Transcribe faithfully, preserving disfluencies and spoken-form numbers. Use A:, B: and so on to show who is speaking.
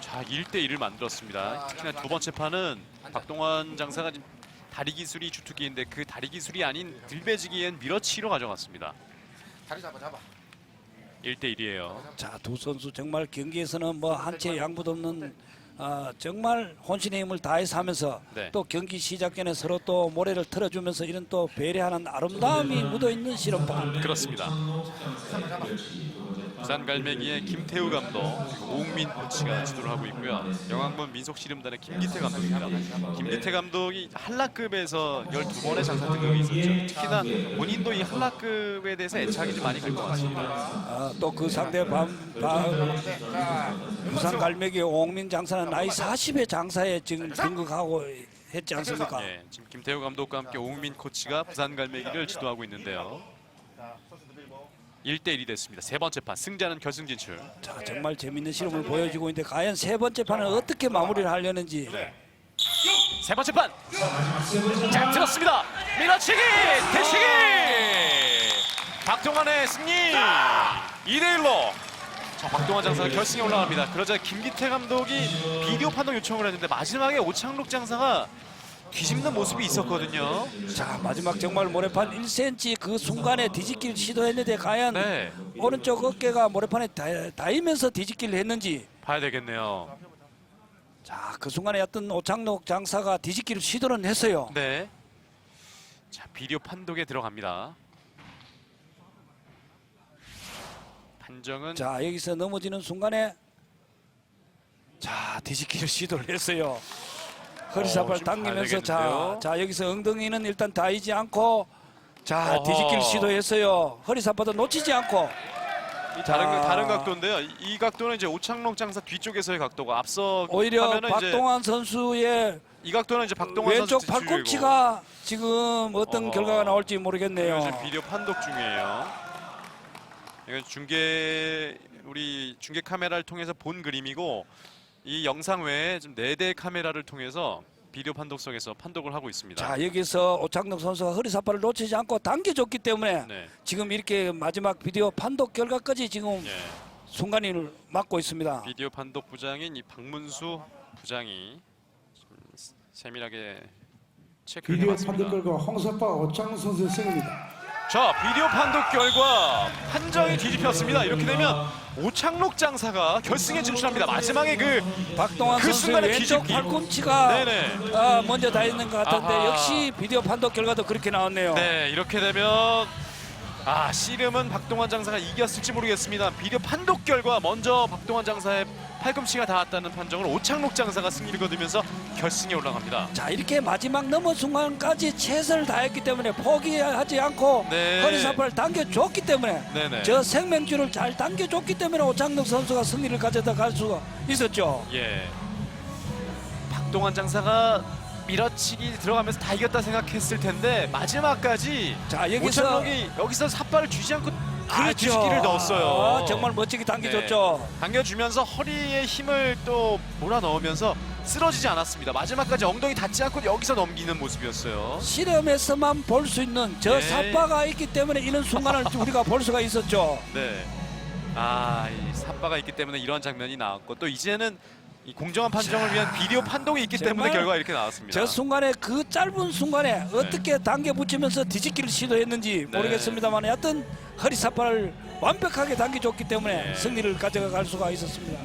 A: 자, 일 대 일을 만들었습니다. 특히나 두 번째 판은 박동원 장사가 지금 다리 기술이 주특기인데 그 다리 기술이 아닌 들배지기엔 밀어치기로 가져갔습니다.
B: 다리 잡아 잡아.
A: 일 대 일이에요.
C: 자, 두 선수 정말 경기에서는 뭐 한치의 양보도 없는 아, 정말 혼신의 힘을 다해서 하면서
A: 네.
C: 또 경기 시작 전에 서로 또 모래를 틀어주면서 이런 또 배려하는 아름다움이 묻어있는 실험판.
A: 그렇습니다. 부산 갈매기의 김태우 감독, 그리고 오웅민 코치가 지도를 하고 있고요. 영암군 민속씨름단의 김기태 감독입니다. 김기태 감독이 한라급에서 열두 번의 장사 등극이 있었죠. 특히나 본인도 이 한라급에 대해서 애착이 좀 많이 갈 것 같습니다.
C: 아, 또 그 상대 밤, 밤 부산 갈매기 오웅민 장사는 나이 사십의 장사에 지금 등극하고 했지 않습니까?
A: 네, 지금 김태우 감독과 함께 오웅민 코치가 부산 갈매기를 지도하고 있는데요. 일 대 일이 됐습니다. 세 번째 판 승자는 결승 진출.
C: 자, 정말 재밌는 실험을 보여주고 있는데 과연 세 번째 판은 어떻게 마무리를 하려는지.
A: 네. 세 번째 판. 자, 들었습니다. 밀어치기, 대치기. 박동환의 승리. 이 대 일로. 자, 박동환 장사가 결승에 올라갑니다. 그러자 김기태 감독이 비디오 판독 요청을 했는데 마지막에 오창록 장사가 뒤집는 모습이 있었거든요.
C: 자, 마지막 정말 모래판 일 센티미터 그 순간에 뒤집기를 시도했는데 과연
A: 네.
C: 오른쪽 어깨가 모래판에 닿- 닿으면서 뒤집기를 했는지.
A: 봐야 되겠네요.
C: 자, 그 순간에 어떤 오창록 장사가 뒤집기를 시도는 했어요.
A: 네. 자, 비디오 판독에 들어갑니다. 판정은
C: 자, 여기서 넘어지는 순간에 자, 뒤집기를 시도를 했어요. 허리사발
A: 어, 좀 봐야
C: 당기면서 자,
A: 되겠는데요?
C: 자 여기서 엉덩이는 일단 닿이지 않고 자,
A: 어허.
C: 뒤집기를 시도했어요. 허리사발도 놓치지 않고.
A: 이 다른
C: 자.
A: 다른 각도인데요. 이, 이 각도는 이제 오창록 장사 뒤쪽에서의 각도가 앞서
C: 오히려
A: 하면은
C: 박동환 선수의
A: 이제 이 각도는 이제 박동환
C: 왼쪽
A: 선수 뒤쪽이고.
C: 팔꿈치가 지금 어떤
A: 어허.
C: 결과가 나올지 모르겠네요.
A: 지금 비디오 판독 중이에요. 이건 중계 우리 중계 카메라를 통해서 본 그림이고 이 영상 외에 지금 네 대 카메라를 통해서 비디오 판독석에서 판독을 하고 있습니다.
C: 자, 여기서 오창록 선수가 허리사발을 놓치지 않고 당겨줬기 때문에
A: 네.
C: 지금 이렇게 마지막 비디오 판독 결과까지 지금
A: 예.
C: 순간을 맞고 있습니다.
A: 비디오 판독 부장인 이 박문수 부장이 좀 세밀하게 체크를
D: 비디오
A: 해봤습니다.
D: 판독 결과 홍석파 오창록 선수의 승입니다.
A: 자, 비디오 판독 결과 판정이 뒤집혔습니다. 이렇게 되면 오창록 장사가 결승에 진출합니다. 마지막에 그
C: 박동환
A: 그
C: 선수의
A: 순간에
C: 왼쪽
A: 뒤집기.
C: 팔꿈치가
A: 네네.
C: 아, 먼저 다 있는 것 같은데
A: 아하.
C: 역시 비디오 판독 결과도 그렇게 나왔네요.
A: 네, 이렇게 되면 아, 씨름은 박동환 장사가 이겼을지 모르겠습니다. 비디오 판독 결과 먼저 박동환 장사의 팔꿈치가 닿았다는 판정을 오창록 장사가 승리를 거두면서 결승에 올라갑니다.
C: 자, 이렇게 마지막 넘어 순간까지 최선을 다했기 때문에 포기하지 않고
A: 네.
C: 허리사발을 당겨줬기 때문에
A: 네네.
C: 저 생명줄을 잘 당겨줬기 때문에 오창록 선수가 승리를 가져다 갈 수가 있었죠.
A: 예. 박동환 장사가 밀어치기 들어가면서 다 이겼다 생각했을 텐데 마지막까지
C: 자, 여기서
A: 오창록이 여기서 삿발을 쥐지 않고 아,
C: 그렇죠.
A: 뒤집기를 넣었어요.
C: 아, 정말 멋지게 당겨줬죠.
A: 네. 당겨주면서 허리에 힘을 또 몰아 넣으면서 쓰러지지 않았습니다. 마지막까지 엉덩이 닿지 않고 여기서 넘기는 모습이었어요.
C: 실험에서만 볼 수 있는 저
A: 네.
C: 삿바가 있기 때문에 이런 순간을 우리가 볼 수가 있었죠.
A: 네. 아, 이 삿바가 있기 때문에 이런 장면이 나왔고 또 이제는 이 공정한 판정을 위한 비디오 판독이 있기 때문에
C: 정말
A: 결과가 이렇게 나왔습니다.
C: 저 순간에 그 짧은 순간에 어떻게 당겨 붙이면서 뒤집기를 시도했는지
A: 네.
C: 모르겠습니다만 여하튼 허리 삿발을 완벽하게 당겨줬기 때문에
A: 네.
C: 승리를 가져갈 수가 있었습니다.